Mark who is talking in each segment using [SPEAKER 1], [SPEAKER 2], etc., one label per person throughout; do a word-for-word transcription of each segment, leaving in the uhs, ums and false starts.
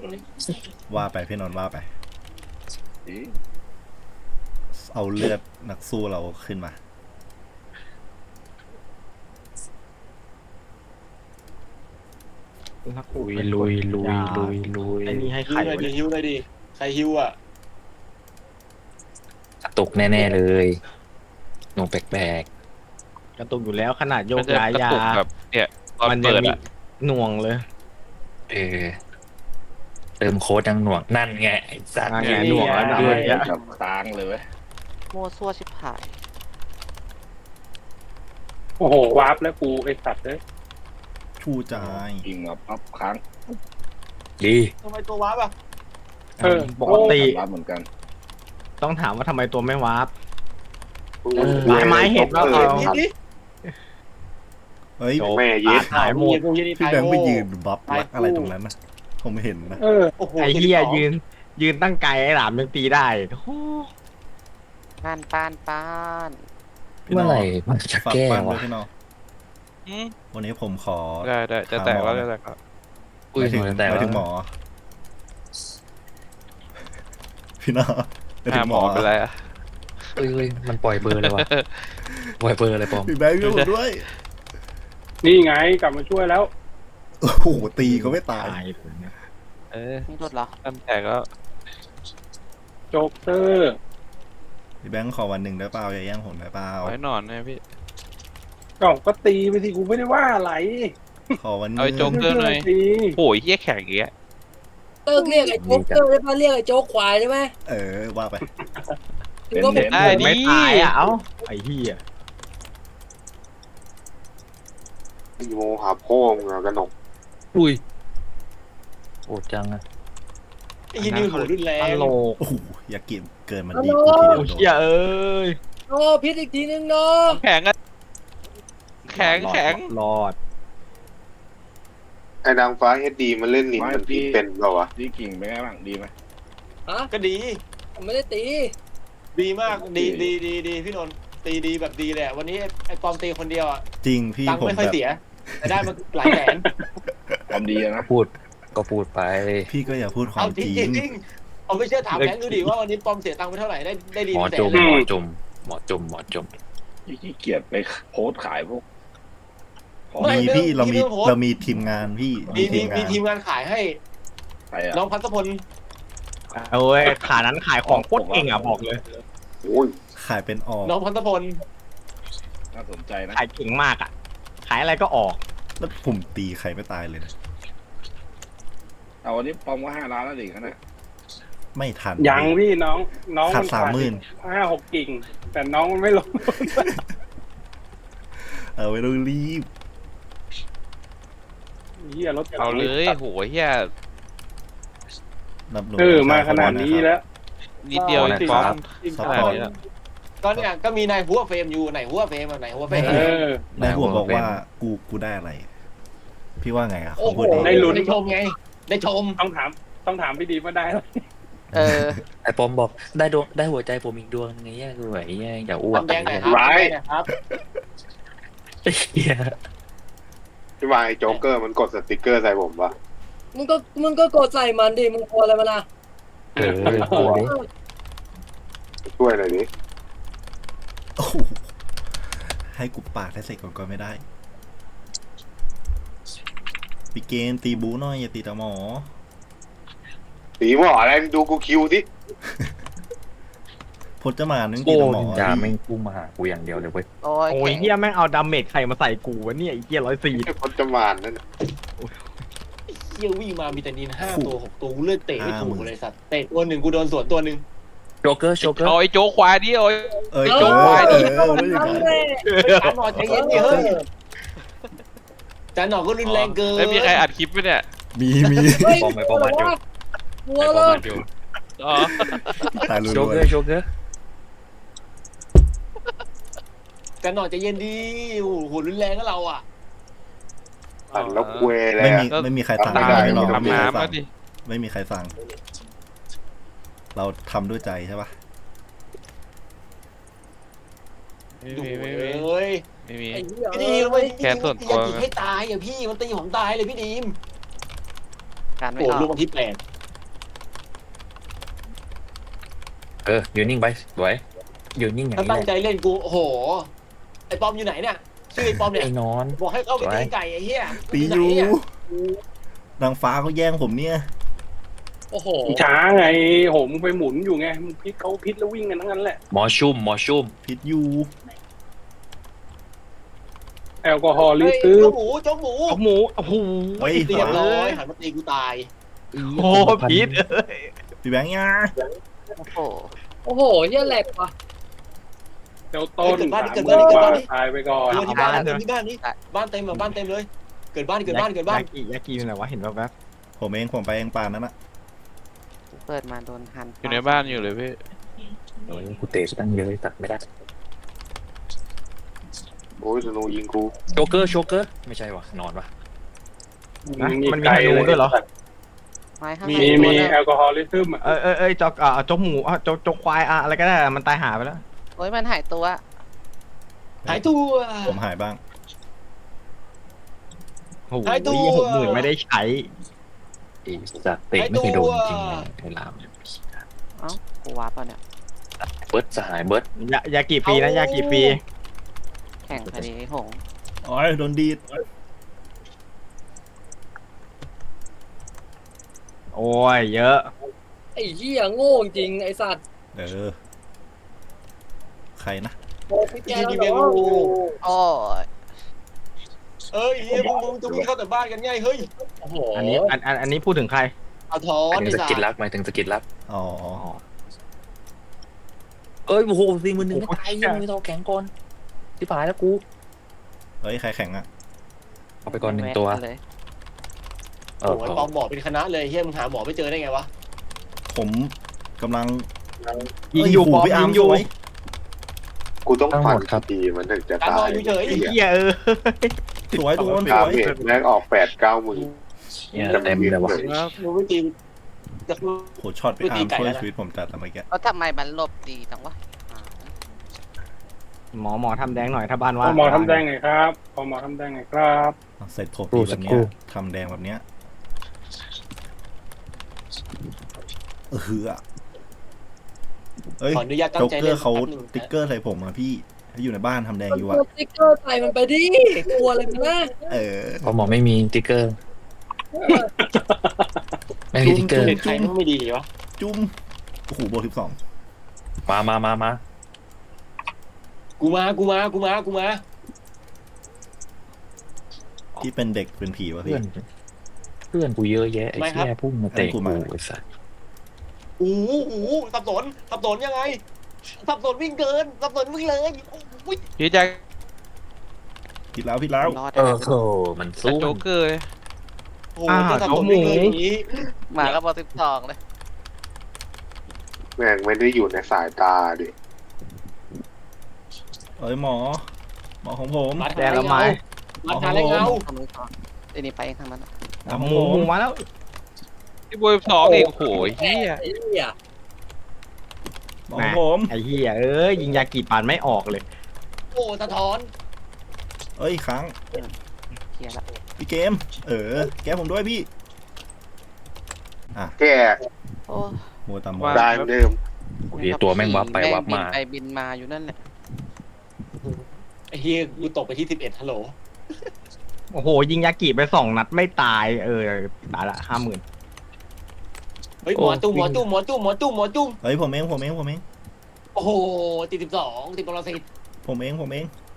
[SPEAKER 1] ว่าไปพี่นนท์ว่าไปเอาเลือดนักสู้เราขึ้นมา
[SPEAKER 2] ลุยลุยลุยลุยลุยไอ้นี่ให้
[SPEAKER 3] ฮิว
[SPEAKER 2] ไข่
[SPEAKER 3] หน่อยดิฮิวหน่อยดิใครฮิวอ่ะ
[SPEAKER 4] กระตุกแน่ๆเลยหนูแปลก
[SPEAKER 2] กระตุกอยู่แล้วขนาดโย
[SPEAKER 5] มั
[SPEAKER 2] ก
[SPEAKER 5] นจะ
[SPEAKER 2] ย้าย
[SPEAKER 5] กระ
[SPEAKER 2] ยา
[SPEAKER 5] ตุกแบบเนี่ยตอน
[SPEAKER 2] มันยัง
[SPEAKER 5] เปิด
[SPEAKER 2] มี
[SPEAKER 5] อะ
[SPEAKER 2] หน่วงเลย
[SPEAKER 4] ๆเออเติมโค้ดยังหน่วงนั่นไงไอ้สัตว์
[SPEAKER 2] นั่นไงหน่วงแล้วนะเมื่อกี้
[SPEAKER 3] กับตางเลยเว้ย
[SPEAKER 6] โม่ซั่วชิบหาย
[SPEAKER 7] โอ้โหวาร์ปแล้วกูไอ้สัตว์เลย
[SPEAKER 1] ชูใจ
[SPEAKER 3] ยิงมาปั๊บค้าง
[SPEAKER 4] ดี
[SPEAKER 3] ทำไมตัววาร์ปอ่ะ
[SPEAKER 7] เออ
[SPEAKER 2] ปกติ
[SPEAKER 3] วาร์ปเหมือนกัน
[SPEAKER 2] ต้องถามว่าทำไมตัวไม่วาร์ป
[SPEAKER 4] เออ
[SPEAKER 2] ไม้ไม้เห็นว่าเอา
[SPEAKER 3] นิดนิด
[SPEAKER 1] เฮ้ย
[SPEAKER 2] โจ
[SPEAKER 7] แม่เย็ด
[SPEAKER 2] หายหมด
[SPEAKER 1] พี่แบงค์ไปยืนบัฟรักอะไรตรงนั้นนะผมเห็นนะ
[SPEAKER 7] เออ
[SPEAKER 3] โอ้โห
[SPEAKER 2] ไอ้เหี้ยยืน ยืนตั้งไกลไอ้หลามยังตีได้โอ้โห
[SPEAKER 6] ปานปานปาน
[SPEAKER 1] พี่
[SPEAKER 4] เมื่อไหร่
[SPEAKER 1] น้
[SPEAKER 4] มันจะ
[SPEAKER 1] ฝาก
[SPEAKER 4] แก้
[SPEAKER 1] ปันด้ว
[SPEAKER 4] วะ
[SPEAKER 1] ยพี่น้อง
[SPEAKER 5] อืม
[SPEAKER 1] วันนี้ผมขอ
[SPEAKER 5] ได้ได้จะแตกแล้วจะแตกแล้ว
[SPEAKER 1] หมายถึง
[SPEAKER 4] แต่
[SPEAKER 1] หมาย
[SPEAKER 4] ว่า
[SPEAKER 1] ถึงหมอ พี่น้องหมายถึ
[SPEAKER 5] หาง ห
[SPEAKER 1] ห
[SPEAKER 5] ม
[SPEAKER 1] ม
[SPEAKER 5] อ
[SPEAKER 1] อ
[SPEAKER 5] เป็นไรอะ
[SPEAKER 4] เอ้ยเอ้ยมันปล่อยเบอร์เลยวะปล่อยเบอร์เลยปอม
[SPEAKER 1] พี่แบงค์ช่วยผมด้วย
[SPEAKER 7] นี่ไงกลับมาช่วยแล้ว
[SPEAKER 1] โอ้โหตีก็ไม่ตาย
[SPEAKER 2] ตายเลยเนี่ย
[SPEAKER 5] เออ
[SPEAKER 6] นี่รถเหรอ
[SPEAKER 5] ตั้งแตกแล้ว
[SPEAKER 7] โจ๊กเตอร์
[SPEAKER 1] พี่แบงค์ขอวันหนึ่งได้เปล่าอย่าแย่งผมได้เปล่า
[SPEAKER 5] ไว้นอนนะพี่
[SPEAKER 7] กล่องก็ตีไปสิกูไม่ได้ว่าอะไร
[SPEAKER 1] ขอวันหนึ
[SPEAKER 5] เอาไอ้โจ๊ก
[SPEAKER 1] ง
[SPEAKER 5] เกอร์หน่อย
[SPEAKER 7] ตี
[SPEAKER 5] โอ้ยเฮี้ยแข็งอย่างเงี้ย
[SPEAKER 8] เติร์กเรียกไอ้โจ๊กเตอร์ได้ปะเรียกไอ้โจ๊กควายได้ไหม
[SPEAKER 1] เออว่าไป
[SPEAKER 8] ถึงว่าผม
[SPEAKER 5] ได้ดิ
[SPEAKER 2] ไม่ตายอ่ะเอ้าไอ้เหี้ย
[SPEAKER 7] อีโมหาพ่อมึงอะกระหนก
[SPEAKER 4] อุ้ยโอดจังอะ
[SPEAKER 3] ไอ้ยี่นี่หัวรุนแร
[SPEAKER 2] ต
[SPEAKER 3] ง
[SPEAKER 2] ลก
[SPEAKER 1] โอ้โหอย่าเก็บเกินมัน
[SPEAKER 8] ฮัล
[SPEAKER 1] ดี
[SPEAKER 8] โหล
[SPEAKER 1] กูทีเดียวโดน
[SPEAKER 2] โอ้เหี้ยเอ้ย
[SPEAKER 8] โอ้พิษอีกทีนึงเนาะ
[SPEAKER 5] แข็งอะแข็งแข็ง
[SPEAKER 2] รอด
[SPEAKER 9] ไอ้นางฟ้าเฮดดีมันเล่นนินมันพีเป็นเปล่าวะ
[SPEAKER 3] ดีกิ่งเป็นไงบ้างดีไหม
[SPEAKER 8] ฮะ
[SPEAKER 3] ก็ดี
[SPEAKER 8] ผมไม่ได้ตี
[SPEAKER 3] ดีมากดีดีดีดีพี่นนท์ตีดีแบบดีเลยอะวันนี้ไอ้ปอมตีคนเดียวอ่ะ
[SPEAKER 1] จริงพี่
[SPEAKER 3] ตังค์
[SPEAKER 1] ผม
[SPEAKER 3] ไม่ค่อย
[SPEAKER 1] แบบ
[SPEAKER 3] เสียแต่ได้มาหลายแสนปอมดีนะ
[SPEAKER 4] พูดก็พูดไป
[SPEAKER 1] พี่ก็อย่าพูดควา
[SPEAKER 3] เอา
[SPEAKER 1] ม
[SPEAKER 3] จ
[SPEAKER 1] จ
[SPEAKER 3] ริ
[SPEAKER 1] ริ
[SPEAKER 3] ง
[SPEAKER 1] ง
[SPEAKER 3] จริงเอาไม่เชื่อถามแบงค์ดูดิว่าวันนี้ปอมเสียตังค์ไปเท่าไหร่ได้ได้ดี
[SPEAKER 4] หมอ
[SPEAKER 3] เป็นแส
[SPEAKER 4] จ
[SPEAKER 3] น
[SPEAKER 4] ม
[SPEAKER 3] เลย
[SPEAKER 4] หมอจมหมอจมหมอจม
[SPEAKER 3] ขี้เกียจไปโพสต์ขายพวกของ
[SPEAKER 1] มีพี่เรามี
[SPEAKER 3] ไม่ต้อง
[SPEAKER 1] เรามีทีมงานพี่
[SPEAKER 3] มี
[SPEAKER 1] มี
[SPEAKER 3] มี
[SPEAKER 1] ทีมงาน
[SPEAKER 3] มีทีมงานขายให้
[SPEAKER 9] ใครอะ
[SPEAKER 3] น้องพัฒพล
[SPEAKER 2] เอาเว้ยขานั้นขายของโคตรเก่งอ่ะบอกเลย
[SPEAKER 9] โอ้ย
[SPEAKER 1] ขายเป็นออก
[SPEAKER 3] น้องพัฒพลน่าสนใจนะ
[SPEAKER 2] ขายเก่งมากอ่ะ ขายอะไรก็ออก
[SPEAKER 1] แล้วผมตีใครไม่ตายเลยนะ
[SPEAKER 3] เอาวันนี้ปอมก็ห้าล้านแล้วดิขนาด
[SPEAKER 1] ไม่ทัน
[SPEAKER 7] ยังพี่น้องน้อง
[SPEAKER 1] ขาด
[SPEAKER 7] มัน
[SPEAKER 1] สามหมื่น
[SPEAKER 7] ห้าหกกิ่ง แต่น้องมันไม่ลง
[SPEAKER 1] เออไม่ต้องรีบ
[SPEAKER 7] เฮียรถ
[SPEAKER 5] เอาเลยโหเฮี้ย
[SPEAKER 1] นับหนู
[SPEAKER 7] เออมาขนาดนี้แล้ว
[SPEAKER 5] นิดเดียวเองป้อม
[SPEAKER 1] ซัพ
[SPEAKER 5] ข
[SPEAKER 1] พ
[SPEAKER 5] นา
[SPEAKER 1] อ
[SPEAKER 5] ด
[SPEAKER 1] ร์ต
[SPEAKER 5] นี้แล้ว
[SPEAKER 3] ก็เนี่ยก็มีนายหัวเฟรมอยู่ไหนหัวเฟรมอ่ะไหนหัวเฟรม
[SPEAKER 7] เออ
[SPEAKER 1] นายหัวบอกว่ากูกูได้อะไร พี่ว่าไงอ่ะ
[SPEAKER 3] โอ้
[SPEAKER 1] เขา
[SPEAKER 3] โห
[SPEAKER 1] พูดดี
[SPEAKER 7] ได้ลุ้น
[SPEAKER 3] ได้ชมไง ได้ชม
[SPEAKER 7] ต้องถามต้องถามพี่ดีว่าได้ไหม
[SPEAKER 6] เออ
[SPEAKER 4] ไอ้ปอมบอกได้ดวงได้หัวใจผมอีกดวงนึงไงเนี่ยคือไหวเนี่ยอย่าอ้วก
[SPEAKER 3] ทำแดงหน่อยครับทำแดงหน่อยครับ
[SPEAKER 4] เหี้ย
[SPEAKER 9] ที่ว่าไอ้โจ๊กเกอร์มันกดสติกเกอร์ใส่ผมวะ
[SPEAKER 8] มึงก็มึงก็กดใส่มันดิมึงกลัวอะไรมันล่ะ
[SPEAKER 4] เออกลัวดิ
[SPEAKER 9] ช่วยหน่อยดิ
[SPEAKER 1] โอ้โหให้กูปากได้เสร็จก่อนก็ไม่ได้พี่เกมตีบูหน่อยอย่าตีตาหมอ
[SPEAKER 9] ตีหมออะไรมึงดูกูคิวดิ
[SPEAKER 1] พจมานนึง
[SPEAKER 4] โอ้
[SPEAKER 1] ตีตาหมอ
[SPEAKER 4] นินจาแม่งพุ่งมาหากูอย่างเดียวเลยเว้ย
[SPEAKER 6] โอ้ย
[SPEAKER 2] โอ้ย
[SPEAKER 6] แข็ง
[SPEAKER 2] เหี้ยแม่งเอาดาเมจใครมาใส่กูวะเนี่ยไอ้เหี้ยร้อยสี่
[SPEAKER 9] ไอ้คนจะมานนั่นน่ะ
[SPEAKER 3] เฮียวิ่งมามีแต่นินห้าตัวหกตัวกูเลือดเตะไม่ถูกเลยสัตว์เตะตัวหนึ่งกูโดนสวนตัวหนึ่ง
[SPEAKER 4] โจ๊กเกอร์โจ๊กเกอร์
[SPEAKER 5] เอาไอ้โจ๊กควายดิโอ้ย
[SPEAKER 1] เอ้ย
[SPEAKER 5] ไอ้โจ๊กควายดิ
[SPEAKER 1] เออไม่อย่างนั้น
[SPEAKER 3] จานหนอใจเย็นดิเฮ้ยจานหนอก็รุนแรงเกิน
[SPEAKER 5] แล้วมีใครอัดคลิปไหมเนี่ย
[SPEAKER 1] มีมี
[SPEAKER 8] เฮ้ย
[SPEAKER 4] ปอมไปปอมมาอยู่
[SPEAKER 8] กลัว
[SPEAKER 4] ไปป
[SPEAKER 8] เล
[SPEAKER 4] อม
[SPEAKER 8] ย
[SPEAKER 4] มาอยู่
[SPEAKER 5] อ๋อ
[SPEAKER 1] ตายรั
[SPEAKER 4] โจ๊ก
[SPEAKER 1] ว
[SPEAKER 4] เกอร์โจ๊กเกอร์
[SPEAKER 3] จานหนอใจเย็นดิโอ้โหรุนแรงก็เราอ่ะ
[SPEAKER 9] อันแล้วเว
[SPEAKER 1] ๆ
[SPEAKER 9] เลย
[SPEAKER 1] ไม่
[SPEAKER 9] อะ
[SPEAKER 1] มีไม่มีใครสั่ง
[SPEAKER 9] ไม่
[SPEAKER 5] ตา
[SPEAKER 9] ได้
[SPEAKER 5] ย
[SPEAKER 1] ไม่มี
[SPEAKER 5] อาบ
[SPEAKER 1] ใคร
[SPEAKER 5] น้ำ
[SPEAKER 1] สั่
[SPEAKER 5] แล้ว
[SPEAKER 1] ง
[SPEAKER 5] ดิ
[SPEAKER 1] ไม่มีใครสั่ง เราทำด้วยใจใช่ปะ
[SPEAKER 5] ไม่
[SPEAKER 3] ดู
[SPEAKER 5] มีไม่
[SPEAKER 3] เล
[SPEAKER 5] มี
[SPEAKER 3] ย
[SPEAKER 5] ไม่มี
[SPEAKER 8] ไอ้เหี้ย
[SPEAKER 3] พี่ดีมมัน
[SPEAKER 5] แค้นส่วนตัว
[SPEAKER 3] อย่ายิงให้ตายอย่าพี่มันตีผมตายเลยพี่ดีม
[SPEAKER 6] การไม่
[SPEAKER 3] โอ้
[SPEAKER 6] ออก
[SPEAKER 3] ลูกวันที่แปด
[SPEAKER 4] เอออยู่นิ่งไปสวยอยู่นิ่งอย่าง
[SPEAKER 3] ถ้า
[SPEAKER 4] นี้
[SPEAKER 3] ตั้ง
[SPEAKER 4] แห
[SPEAKER 3] ใจ
[SPEAKER 4] ละ
[SPEAKER 3] เล่นกูโอ้โหไอ้ปอมอยู่ไหนเนี่ยชื่อไอ้ปอมเนี่ย
[SPEAKER 4] ไอ้นอน
[SPEAKER 3] บอกให้เข้าไปตีไก่ไอ้เหี้ย
[SPEAKER 1] ตี
[SPEAKER 3] ไห
[SPEAKER 1] อน ยู่
[SPEAKER 3] เนี่ย
[SPEAKER 1] นางฟ้าเขาแย่งผมเนี่ย
[SPEAKER 8] โอ้โห
[SPEAKER 7] ช้าไงโหมึงไปหมุนอยู่ไงมึงพิษเขาพิษแล้ววิ่งกันทั้งนั้นแหละ
[SPEAKER 4] หมอชุ่มหมอชุ่ม
[SPEAKER 1] พิษอยู่
[SPEAKER 7] แอลกอฮอล์ลิ
[SPEAKER 3] เฮ้ย
[SPEAKER 7] ซื้อ
[SPEAKER 3] โจ๊กหมูโจ๊กหมู
[SPEAKER 2] เอาหมูโอ้โห
[SPEAKER 1] เฮ้ย
[SPEAKER 3] เรียบร้อยหันมาตีกูตาย
[SPEAKER 2] โอ้โหพีทเอ้ย
[SPEAKER 1] พี่แบงค์ยา
[SPEAKER 6] โอ้โห
[SPEAKER 8] โอ้โหเฮียแหลกว่ะ
[SPEAKER 7] เจ้าต้น
[SPEAKER 3] เกิดบ้าน
[SPEAKER 7] สาม
[SPEAKER 3] เกิด
[SPEAKER 7] หมื่
[SPEAKER 3] บ้าน
[SPEAKER 7] น
[SPEAKER 3] เกิด
[SPEAKER 7] กว่า
[SPEAKER 3] บ้าน
[SPEAKER 7] ตายไปก่อน
[SPEAKER 3] เกิดที่บ้านเกิดที่บ้านนี้บ้านเต็มแบบบ้านเต็มเลย เกิดบ้านเกิดบ้านเกิดบ้าน
[SPEAKER 2] ยากิยากิอยู่ไหนวะเห็นแว๊บ
[SPEAKER 1] ผมเองผมไปเองปานนั้นอะ
[SPEAKER 6] เปิดมาโดนหัน
[SPEAKER 5] อยู่ในบ้านอยู่เลยพี่
[SPEAKER 4] โอ้ยกูเตะตั้งเยอะตัดไม่ได้
[SPEAKER 9] โอ้ยธนูยิงกู
[SPEAKER 4] โชเกอร์โชเกอร์ไม่ใช่วะนอนวะ
[SPEAKER 2] ๆนะมันมีธนูด้วยเหรอ
[SPEAKER 6] ไม้ห้า
[SPEAKER 7] มี
[SPEAKER 6] สิบ
[SPEAKER 7] มี
[SPEAKER 6] ตัว
[SPEAKER 7] แอลกอฮอล์ลิซึมอ่ะ
[SPEAKER 2] เอ้ยเอ้ยเอ้ยจอกอ่าจกหมูอ่ะจกจกควายอ่ะอะไรก็ได้มันตายหาไปแล้ว
[SPEAKER 6] โอ้ยมันหายตัว
[SPEAKER 3] หายตัว
[SPEAKER 1] ผมหายบ้าง
[SPEAKER 2] โอ้โห
[SPEAKER 3] หายตัว
[SPEAKER 2] หกหมื่นไม่ได้ใช้
[SPEAKER 4] ไอ้สัตว์เตะไม่เคยโดนจริงเลยไอ้ลาม
[SPEAKER 6] เอ้ากูวาร์ปป่ะเนี่ย
[SPEAKER 4] เบิร์ดสหายเบิร์ด
[SPEAKER 2] ยายากี่ปีนะยากี่ปี
[SPEAKER 6] แข่งพอดีไอ้หงส์
[SPEAKER 1] โอ้ยโดนดีด
[SPEAKER 2] โอ้ยเยอะ
[SPEAKER 8] ไอ้เหี้ยโง่จริงไอ้สัตว์
[SPEAKER 1] เออ ใครนะ
[SPEAKER 8] โอ้พี่แก
[SPEAKER 3] ดี
[SPEAKER 8] แล้ว
[SPEAKER 3] ดีเม
[SPEAKER 8] เหรอ
[SPEAKER 3] นู
[SPEAKER 6] โอ้ย
[SPEAKER 3] เอ้ยเฮ้ยมึงมึงจะวิ่งเข้าแต่บ้านกันไงเฮ้ย
[SPEAKER 8] โอ้โห
[SPEAKER 2] อันนี้อันอันอันนี้พูดถึงใคร
[SPEAKER 3] เอาทอ
[SPEAKER 4] อั
[SPEAKER 3] น
[SPEAKER 4] นนี้
[SPEAKER 3] ไอ้
[SPEAKER 4] ส
[SPEAKER 3] สั
[SPEAKER 4] กิล
[SPEAKER 3] ตว์
[SPEAKER 4] ลับหมายถึงสกิลลับ
[SPEAKER 1] อ๋อ
[SPEAKER 4] เอ้ยโอ้โหสี่หมื่นหนึ่งไม่ตายยังไม่ต้องแข็งก่อนที่ผายแล้วกู
[SPEAKER 1] เฮ้ยใครแข่งอะ
[SPEAKER 4] เอาไปก่อนหนึ่งตัว
[SPEAKER 6] แวะเลย
[SPEAKER 4] เออ
[SPEAKER 3] โอ้ยปอมบอกเป็นคณะเลยเฮียมึงหาหมอไม่เจอได้ไงวะ
[SPEAKER 1] ผมกำลัง
[SPEAKER 2] ยิงอยู่
[SPEAKER 1] เฮ้
[SPEAKER 2] ปอม
[SPEAKER 1] พี่อา
[SPEAKER 2] ยิ
[SPEAKER 1] ร์ม
[SPEAKER 2] งอยู่
[SPEAKER 1] สวย
[SPEAKER 9] กูต้องปั่นทีมันถึงจะ
[SPEAKER 3] การ
[SPEAKER 9] ตา
[SPEAKER 3] บอย ยอยู่เฉย
[SPEAKER 2] ไอ้เหี้ยเออ
[SPEAKER 1] สวยทุกคนส
[SPEAKER 9] ดา
[SPEAKER 1] วย
[SPEAKER 9] เมจแม่งออกแปดเก้าหมื่น
[SPEAKER 4] เนี่ยเต็มเลยวะ
[SPEAKER 3] มึงไม่ตีจะคือ
[SPEAKER 1] โหช็อตพี่อาร์ม
[SPEAKER 3] ไม่ตีไก่
[SPEAKER 1] ช่วย
[SPEAKER 3] แล้วนะ
[SPEAKER 1] ชีวิตผมจัดทำไมแก
[SPEAKER 6] แล้วทำไมมันหลบดีจังวะอ่า
[SPEAKER 2] หมอหมอทำแดงหน่อยถ้าบ้านว่า
[SPEAKER 7] พอหมอทำได้ไงครับพอหมอทำได้ไงครับ
[SPEAKER 1] เสร็จผมตีแบบเนี้ยทำแดงแบบเนี้ยเออหือเอ้ย
[SPEAKER 3] ขออนุญาตตั้
[SPEAKER 1] โจ๊
[SPEAKER 3] ง
[SPEAKER 1] ก
[SPEAKER 3] ใจ
[SPEAKER 1] เกอ
[SPEAKER 3] เล่น
[SPEAKER 1] ร์เขา
[SPEAKER 3] แป๊บนึง
[SPEAKER 1] ติ๊กเกอร์ใส่ผมอะพี่เขาอยู่ในบ้านทำแดงอยู่อะ
[SPEAKER 8] สติ๊กเกอร์ใส่มันไปดิกลัวอะไรกันนะ
[SPEAKER 1] เออ
[SPEAKER 4] พอหมอไม่มีติ๊กเกอร์ ไม่มีติ๊กเกอร์
[SPEAKER 3] เด็กใครมันไม่ดีวะ
[SPEAKER 1] จุ้มโอ้โหโบสิบสอง
[SPEAKER 4] มามามามา
[SPEAKER 3] กูมากูมากูมากูมา
[SPEAKER 1] ที่เป็นเด็กเป็นผีวะ
[SPEAKER 4] เพื่
[SPEAKER 1] พี่
[SPEAKER 4] อนเพื่อนกูเยอะแยะไอ้เชี่ยพุ่งมาเตะกูไอ้สัส
[SPEAKER 3] โอ้โหโอ้โหสับสนสับสนยังไงสับสนวิ่งเกินสับสนวิ่งเลยโอ้ย
[SPEAKER 5] พี่แจ็ค
[SPEAKER 1] ผิดแล้วผิดแล้ว
[SPEAKER 6] รอด
[SPEAKER 4] เออโหมัน
[SPEAKER 5] แจ็ค
[SPEAKER 4] สู้
[SPEAKER 5] โจ๊กเกอร์เลย
[SPEAKER 3] โอ้โหจะสับสนวิ่งเลยอย่างนี้
[SPEAKER 6] มาแล้วบอลสิบสองเลย
[SPEAKER 9] แม่งไม่ได้อยู่ในสายตาดิ
[SPEAKER 1] เอ้ยหมอ หมอของผม
[SPEAKER 3] มา
[SPEAKER 2] แดงละไม้
[SPEAKER 3] มาทานอะไรเงา
[SPEAKER 6] ทำมือก่อนไอ้นี่ไปเองทางนั้นอะ
[SPEAKER 1] หมอข
[SPEAKER 2] ห
[SPEAKER 1] อง
[SPEAKER 2] มู
[SPEAKER 1] ผ
[SPEAKER 2] หมู
[SPEAKER 1] ม
[SPEAKER 2] มาแล้ว
[SPEAKER 5] ที่บวยสองอีกโอ้โหเฮีย
[SPEAKER 8] ไอ้เหี้ย
[SPEAKER 1] หมอของผม
[SPEAKER 2] ไอ้เหี้ยเอ้ยยิงยากี่ปานไม่ออกเลย
[SPEAKER 3] โอ้สะท้อน
[SPEAKER 1] เอ้ยค้าง
[SPEAKER 6] เคลียร์ละ
[SPEAKER 1] พี่เกม เออ แกผมด้วยพี่
[SPEAKER 9] แก้
[SPEAKER 6] โอ้
[SPEAKER 1] โมตามโม
[SPEAKER 9] ได้เหมือนเดิม
[SPEAKER 4] กูดีตัวแม่งวับไปวับมา
[SPEAKER 6] แงบินไปบินมาอยู่นั่นแหละ
[SPEAKER 3] ไอ้เฮียกูตกไปที่สิบเอ็ดฮัลโหล
[SPEAKER 2] โอ้โหยิงยากิไปสองนัดไม่ตายเออตายละห้าหมื่น
[SPEAKER 3] เฮ้ยหมอจุ้มหมอจุ้มหมอจุ้มหมอจุ้มหมอจุ้ม
[SPEAKER 1] เฮ้ยผมเองผมเองผมเอง
[SPEAKER 3] โอ้โหติดสิบสองติดปรสิต
[SPEAKER 1] ผมเองผมเอง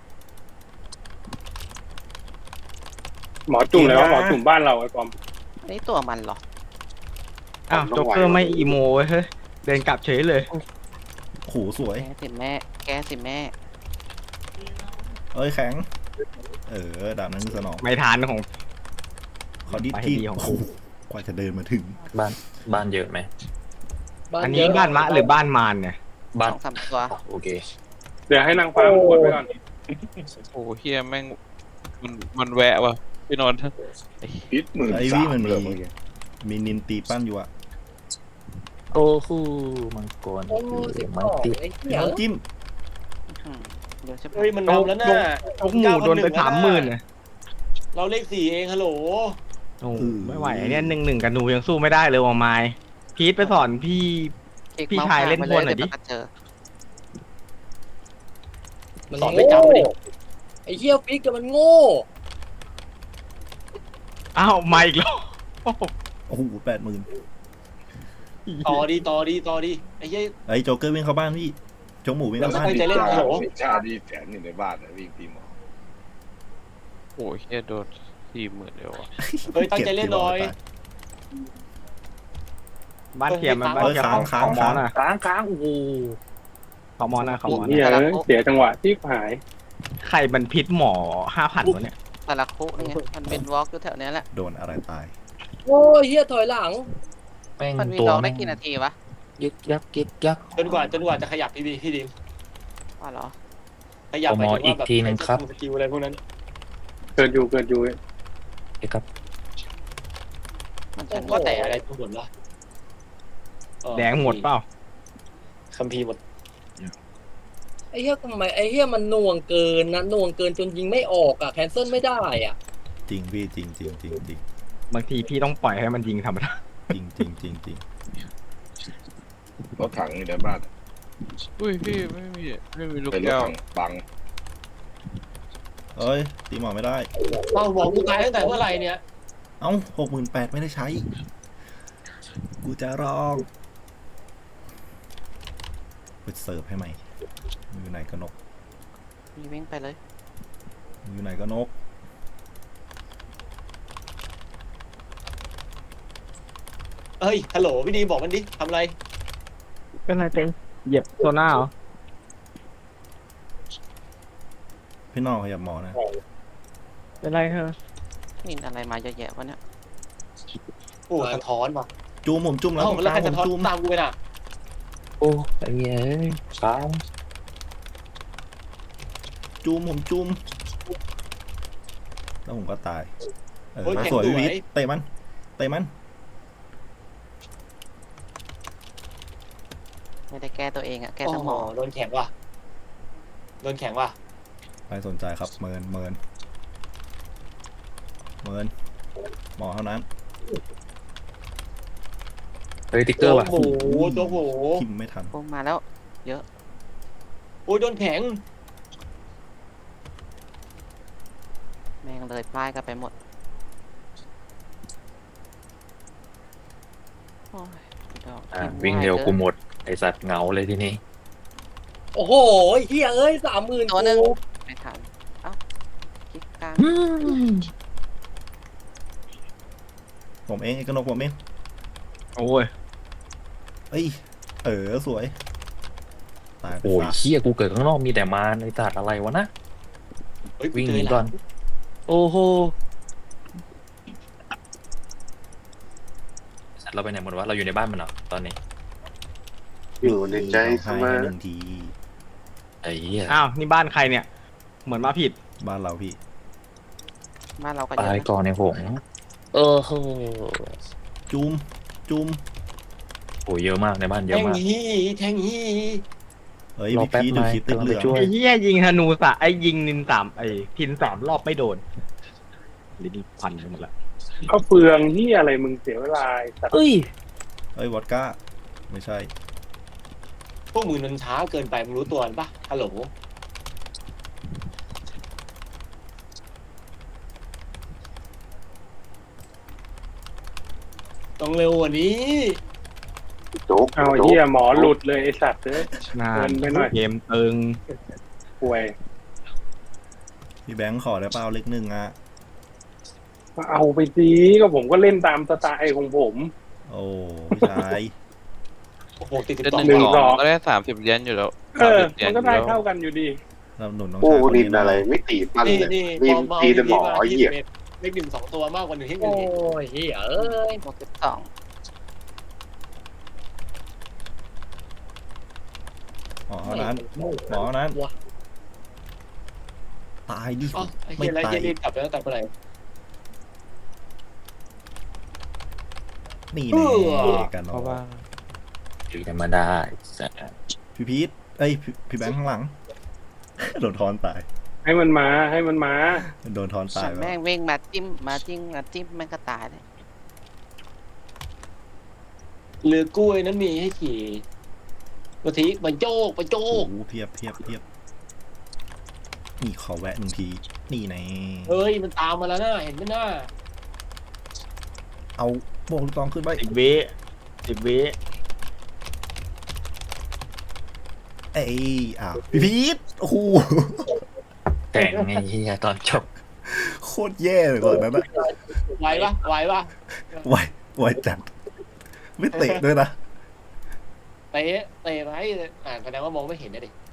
[SPEAKER 7] หมอจุ่มแล้วหมอจุ่มบ้านเราไอ้ปอม
[SPEAKER 6] อันนี้ตัวมันเหรอ
[SPEAKER 2] อ้าวโจ๊กเกอร์ไม่อีโมเว้ยเฮ้ยเดินกลับเฉยเลย
[SPEAKER 1] โอ้โหสวย
[SPEAKER 6] แกสิแม่ แกสิแม่
[SPEAKER 1] เอ้ยแข็ง เออดาบนั้นคือสนอง
[SPEAKER 2] ไม่ทานของ
[SPEAKER 1] เขาดิด
[SPEAKER 2] ไปให้
[SPEAKER 1] ที่
[SPEAKER 2] ดีของ
[SPEAKER 1] โอ้โหกว่าจะเดินมาถึง
[SPEAKER 4] บ้านบ้านเยอะไหม
[SPEAKER 2] อันนี้บ้านมะหรือบ้านมารเนี่ย
[SPEAKER 4] บ้าน
[SPEAKER 6] สองสามตัว
[SPEAKER 4] โอเค
[SPEAKER 7] เดี๋ยวให้นางฟ้ามันกดไปก่อน
[SPEAKER 5] โอ้โหเฮียแม่งมันมันแวะว่ะพี่นนท์
[SPEAKER 9] พิษหมื่น
[SPEAKER 1] ไอ้
[SPEAKER 9] สา
[SPEAKER 1] พี่
[SPEAKER 9] ม
[SPEAKER 1] มัน
[SPEAKER 9] เล
[SPEAKER 1] มี
[SPEAKER 9] ย
[SPEAKER 1] มีนินตีปั้นอยู่อะ
[SPEAKER 4] โอ้โหมังกร
[SPEAKER 8] โอ้สิบ
[SPEAKER 4] มั
[SPEAKER 8] ส
[SPEAKER 4] ง
[SPEAKER 8] อง
[SPEAKER 4] ติ
[SPEAKER 8] ไอ้
[SPEAKER 1] พี่
[SPEAKER 8] เหี้ย
[SPEAKER 1] น้องจิ้ม
[SPEAKER 6] อืมเดี๋ยวจะ
[SPEAKER 3] เฮ้ยมันนำแล้วนะ
[SPEAKER 2] โจ๊กหมูโดนไปสามหมื่นเนี่ย
[SPEAKER 3] เราเลขสี่เองฮัลโหล
[SPEAKER 2] โอ้โหไม่ไหวเนี่ยหนึ่งหนึ่งกับหนูยังสู้ไม่ได้เลยว่ะไม้พีทไปสอนพี่
[SPEAKER 6] คลิก
[SPEAKER 2] พี่
[SPEAKER 6] เมาส์
[SPEAKER 2] ชายเล่น
[SPEAKER 6] ค้งไป
[SPEAKER 2] บนหน่อยดิ
[SPEAKER 6] เวมัก็เจอ
[SPEAKER 8] มัน
[SPEAKER 3] สอนไม่
[SPEAKER 8] โง่
[SPEAKER 3] จำเลย
[SPEAKER 8] ไอ้เหี้ยฟิกกับมันโง่
[SPEAKER 2] อ้าวมาอีกแล้ว
[SPEAKER 1] โอ้โหแปดหมื่น
[SPEAKER 3] ต่อดีต่อดีต่อดีไอ้เหี้ย
[SPEAKER 1] ไอ้โจ๊กเกอร์วิ่งเข้าบ้านพี่โจ๊กหมูวิ่งเข้าบ้าน
[SPEAKER 3] ตั้งใจเล่นฮัลโหล
[SPEAKER 10] ชาดีแสนอยู่ในบ้านนะวิ่งตีหมอ
[SPEAKER 5] โอ้ยเฮียโดนสี่หมื่นเดียวอะ
[SPEAKER 3] เฮ้ยตั้งใจเล่นหน่อย
[SPEAKER 2] บ้านเทียมมันบ้าน
[SPEAKER 1] เฮ้ย
[SPEAKER 2] เทียม
[SPEAKER 1] ค้าง
[SPEAKER 2] ข
[SPEAKER 1] ค้า
[SPEAKER 2] อง งมอ
[SPEAKER 1] ค้าง
[SPEAKER 2] น่ะ
[SPEAKER 7] ค้างค้างโอ้โห
[SPEAKER 2] ของมอน่ะของมอ
[SPEAKER 7] เฮีย
[SPEAKER 2] น่ะ
[SPEAKER 7] เอ้ยเสียจังหวะที่หาย
[SPEAKER 2] ใครมันพิษหมอห้าพันวะเนี่ย
[SPEAKER 6] แต่ละคุนี่ไงมันเป็นวอล์กอยู่แถวเนี้ยแหละ
[SPEAKER 1] โดนอะไรตาย
[SPEAKER 8] โอ้ยเหี้ยถอยหลัง
[SPEAKER 4] แม่ง
[SPEAKER 6] มันมี
[SPEAKER 4] ตัว
[SPEAKER 6] วอล์กได้
[SPEAKER 4] แม่ง
[SPEAKER 6] กี่นาทีวะ
[SPEAKER 4] ยึกยักยึกยัก
[SPEAKER 3] จนกว่าจนกว่าจะขยับพี่บีพี่ดิม
[SPEAKER 6] ว่าเหรอ
[SPEAKER 3] ขยับไป
[SPEAKER 4] โอมอ
[SPEAKER 3] ถึง
[SPEAKER 4] อี
[SPEAKER 3] ว่าก แบบ
[SPEAKER 4] ทีหนึ่งครับ
[SPEAKER 3] สกิลอะไรพวกนั้น
[SPEAKER 7] เกิดอยู่เกิดอยู่
[SPEAKER 4] เอ้ยครับ
[SPEAKER 6] มัน
[SPEAKER 3] ต้
[SPEAKER 6] จะ
[SPEAKER 3] อง
[SPEAKER 6] มี
[SPEAKER 3] ว่าแต่อะไรทั้งหมดวะเออ
[SPEAKER 2] แดงหมดเปล่า
[SPEAKER 3] คัมภีร์หมด
[SPEAKER 8] ไอ้เหี้ยทำไมไอ้เหี้ยมันหน่วงเกินนะหน่วงเกินจนยิงไม่ออกอ่ะแคนเซิลไม่ได้อ่ะ
[SPEAKER 1] จริงพี่จริงจริงจริงจริง
[SPEAKER 2] บางทีพี่ต้องปล่อยให้มันยิงธรรมดา
[SPEAKER 1] จริงจริงจริงจริง
[SPEAKER 10] รถถังอยู่ในบ้าน
[SPEAKER 5] อุ้ยพี่ไม่มีไม่มีลูก
[SPEAKER 10] เป็นรถ
[SPEAKER 5] แก้ว
[SPEAKER 10] ถังบัง
[SPEAKER 1] เอ้ยตีหมอไม่ได้
[SPEAKER 3] เอ้าบอกกูตายตั้งแต่เมื่อไหร่เนี่ย
[SPEAKER 1] เอ้าหกหมื่นแปดไม่ได้ใช้ กูจะรองไปเสิร์ฟให้ใหม่มึงอยู่ไหนก็นก
[SPEAKER 6] มีวิ่งไปเลย
[SPEAKER 1] มึงอยู่ไหนก็นก
[SPEAKER 3] เฮ้ยฮัลโหลพี่ดีบอกมันดิทำอะไร
[SPEAKER 2] เป็นไรเต็งเหยียบโซน่าเหรอ
[SPEAKER 1] พี่น้องขยับหมอนะ
[SPEAKER 2] เป็นไรเธอ
[SPEAKER 6] มีอะไรมาเยอะแยะวะเนี่ย
[SPEAKER 3] โอ้สะท้อนว่ะ
[SPEAKER 1] จูมผมจุ่มแล้ว
[SPEAKER 3] เอ้า
[SPEAKER 1] ผม
[SPEAKER 3] แล้ว
[SPEAKER 1] ก
[SPEAKER 3] ใคร
[SPEAKER 1] ลาง
[SPEAKER 3] สะ
[SPEAKER 1] ผม
[SPEAKER 3] ท้อน
[SPEAKER 1] จุ่ม
[SPEAKER 3] ตามกูไปน่ะ
[SPEAKER 4] โอ้ไอ้เงี้ยเอ้ยค้าง
[SPEAKER 1] จุ่มผมจุ่มแล้วผมก็ตายเออ
[SPEAKER 3] โอ้ยแข็ง
[SPEAKER 1] สวย
[SPEAKER 3] ส
[SPEAKER 1] พี่
[SPEAKER 3] ว
[SPEAKER 1] วิ
[SPEAKER 3] ย
[SPEAKER 1] ทย์เตะมันเตะมัน
[SPEAKER 6] ไม่ได้แก้ตัวเองอะแก้
[SPEAKER 3] โอ้
[SPEAKER 6] ทั้ง
[SPEAKER 3] โห
[SPEAKER 6] หมอ
[SPEAKER 3] โดนแข็งว่ะโดนแข็งว่ะ
[SPEAKER 1] ไม่สนใจครับเมินเมินเมินหมอเท่านั้น
[SPEAKER 4] เฮ้ยติ๊กเกอร์ว่ะ
[SPEAKER 3] โอ้โหโอ้โห
[SPEAKER 1] ทิมไม่ทัน
[SPEAKER 6] โอ้มาแล้ว
[SPEAKER 3] โอ้ยโดนแข็ง
[SPEAKER 6] แม่งเลยป้ายกันไปหมดโอ้ยดอก
[SPEAKER 4] อ่ะ
[SPEAKER 6] ทิ่ม
[SPEAKER 4] วิ่งเร็ว
[SPEAKER 6] กิ
[SPEAKER 4] กู
[SPEAKER 6] น
[SPEAKER 4] หมดไอสัตว์เหงาเลยที่นี่
[SPEAKER 8] โอ้โหไอ้เหี้ยเอ้ยสามหมื่น
[SPEAKER 6] ตัวหนึ่งไม่ทันเอ้าคลิกกลาง
[SPEAKER 1] ผมเองไอ้กระนกผมเอง
[SPEAKER 2] โอ้ย
[SPEAKER 1] เอ้ยเออสวยตายไป
[SPEAKER 4] โอ้ย
[SPEAKER 1] ซะ
[SPEAKER 4] เชี่ยกูเกิดข้างนอกมีแต่มารไอสัตว์อะไรวะนะ
[SPEAKER 3] เฮ้ย
[SPEAKER 4] วิ่ง
[SPEAKER 3] เจ
[SPEAKER 4] หนี
[SPEAKER 3] อ
[SPEAKER 4] ก่อน โอ้โหสัตว์เราไปไหนหมดวะเราอยู่ในบ้านมันเหรอตอนนี้
[SPEAKER 9] อยู่ในใจเส
[SPEAKER 1] ให้
[SPEAKER 9] มอ
[SPEAKER 1] ให้หนึ่งที
[SPEAKER 4] ไอ้เหี้ย
[SPEAKER 2] อ้าวนี่บ้านใครเนี่ย เหมือนมาผิด
[SPEAKER 1] บ้านเราพี่
[SPEAKER 6] บ้านเราก็เย
[SPEAKER 4] ตา
[SPEAKER 6] อะ
[SPEAKER 4] ย
[SPEAKER 6] นะ
[SPEAKER 4] ก่อนในหงส์เออโห
[SPEAKER 1] จุ่มจุ่ม
[SPEAKER 4] โอ้ยเยอะมากในบ้านเย
[SPEAKER 3] แท
[SPEAKER 4] อะ
[SPEAKER 3] ง
[SPEAKER 4] มาก
[SPEAKER 3] ฮีแทงฮี
[SPEAKER 1] เอ้ย
[SPEAKER 4] รอ
[SPEAKER 1] พี่
[SPEAKER 4] แป๊บ
[SPEAKER 1] พีท
[SPEAKER 4] ไหม
[SPEAKER 1] ดูคิดตึกเหลือง
[SPEAKER 4] กำลังไปช่วย
[SPEAKER 2] ไอ้เหี้ยยิงธนูสะไอ้ยิงนินสามไอ้พินสามรอบไม่โดนลิ้นพันไปหมดละ
[SPEAKER 7] ก็เฟืองที่อะไรมึงเสียเวลาไอ้สัตว์
[SPEAKER 4] เอ้ย
[SPEAKER 1] เอ้ยวอดก้าไม่ใช่
[SPEAKER 3] พวกมึงมันช้าเกินไปมึงรู้ตัวปะฮัลโหลต้องเร็วกว่านี้
[SPEAKER 9] โจ๊ก
[SPEAKER 7] เอาไอ้
[SPEAKER 9] โจ๊
[SPEAKER 7] เหี้ย
[SPEAKER 9] ก
[SPEAKER 7] หมอหลุดเลยไอ้สัตว์เลย
[SPEAKER 2] หน้า
[SPEAKER 7] เกินไปหน่อย
[SPEAKER 2] เกมตึง
[SPEAKER 7] ป่วย
[SPEAKER 1] พี่แบงค์ขอได้เปล่าเล็กหนึ่งอะ
[SPEAKER 7] มาเอาไปดีก็ผมก็เล่นตามสไตล์ของผม
[SPEAKER 1] โอ้พี่ชาย
[SPEAKER 3] โอ้โหติดสิบ
[SPEAKER 5] เป็น
[SPEAKER 3] สอง
[SPEAKER 5] หนึ่ง
[SPEAKER 7] หนึ่ง
[SPEAKER 5] ส
[SPEAKER 7] ส
[SPEAKER 5] อ
[SPEAKER 7] อง ง
[SPEAKER 5] ก็ได้สามสิบเยนอยู่แล้ว
[SPEAKER 7] เออ
[SPEAKER 5] สามสิบเย
[SPEAKER 7] มัน
[SPEAKER 5] น
[SPEAKER 7] ก็
[SPEAKER 5] อยู่
[SPEAKER 7] ได้
[SPEAKER 5] แล้ว
[SPEAKER 7] เท่ากันอยู่ดี
[SPEAKER 1] สนับสนุนน้อง
[SPEAKER 9] โอ้
[SPEAKER 1] ชายคน
[SPEAKER 9] ลิน
[SPEAKER 1] นี้ห
[SPEAKER 9] อะไร
[SPEAKER 1] น่อย
[SPEAKER 9] ไม่ตีปั้น
[SPEAKER 3] นี่
[SPEAKER 9] เลย
[SPEAKER 3] นี่
[SPEAKER 9] ลิ
[SPEAKER 3] พ
[SPEAKER 9] น
[SPEAKER 3] อมา
[SPEAKER 9] ตีแต่หมอ
[SPEAKER 3] เอา
[SPEAKER 9] เหี้ย
[SPEAKER 3] เลขหนึ่งสองตัวมากกว่าหนึ่งให้ห
[SPEAKER 8] โอ้
[SPEAKER 3] นึ่ง
[SPEAKER 8] ยเหี้ยเอ้ย
[SPEAKER 6] หมดสิบสอง
[SPEAKER 1] หมอเท่านั้นหมอเท่านั้น
[SPEAKER 8] วะ
[SPEAKER 1] ตายดิ
[SPEAKER 3] อ๋อไอ้เหี้ยไรเหี้ยรีบกลับไปตั้งแต่เมื่อไหร่
[SPEAKER 1] นี่
[SPEAKER 3] เอ
[SPEAKER 1] แน่
[SPEAKER 3] อ
[SPEAKER 1] กัน
[SPEAKER 5] เพ
[SPEAKER 1] เนาะ
[SPEAKER 5] ราะว่า
[SPEAKER 4] อยู่ธรรมดาไอ้สัตว์
[SPEAKER 1] พี่พีทเอ้ยพี่พี่แบงค์ข้างหลัง โดนทอนตาย
[SPEAKER 7] ให้มันมาให้มันมา
[SPEAKER 1] โดนทอนตาย
[SPEAKER 6] แม่
[SPEAKER 1] วะ
[SPEAKER 6] งวิ่งมาจิ้มมาจิ้มมาจิ้มแม่งก็ตายเลย
[SPEAKER 3] เรือกล้วยนั้นมีให้ขี่กะทิไปโจกไปโจ
[SPEAKER 1] โอ้
[SPEAKER 3] ก
[SPEAKER 1] โหเพียบเพียบเพียบนี่ขอแวะหนึ่งที นี่ไง
[SPEAKER 3] เฮ้ยมันตามมาแล้วนะเห็นไหมน่า
[SPEAKER 1] เอาโบกลูกตองขึ้นไป
[SPEAKER 2] สิบวิสิบวิ
[SPEAKER 1] เอ้ยอ้าวพี่พีทโอ้โห
[SPEAKER 4] แต่งไงเฮียตอนจบ
[SPEAKER 1] โคตรแย่เลยก่อนนั้นอะ
[SPEAKER 3] ไหวปะไหวปะ
[SPEAKER 1] ไวไวจัด ไม่เตะด้วยนะ
[SPEAKER 3] เตะเตะไหมอ่าแสดงว่ามองไม่เห็นนะดิ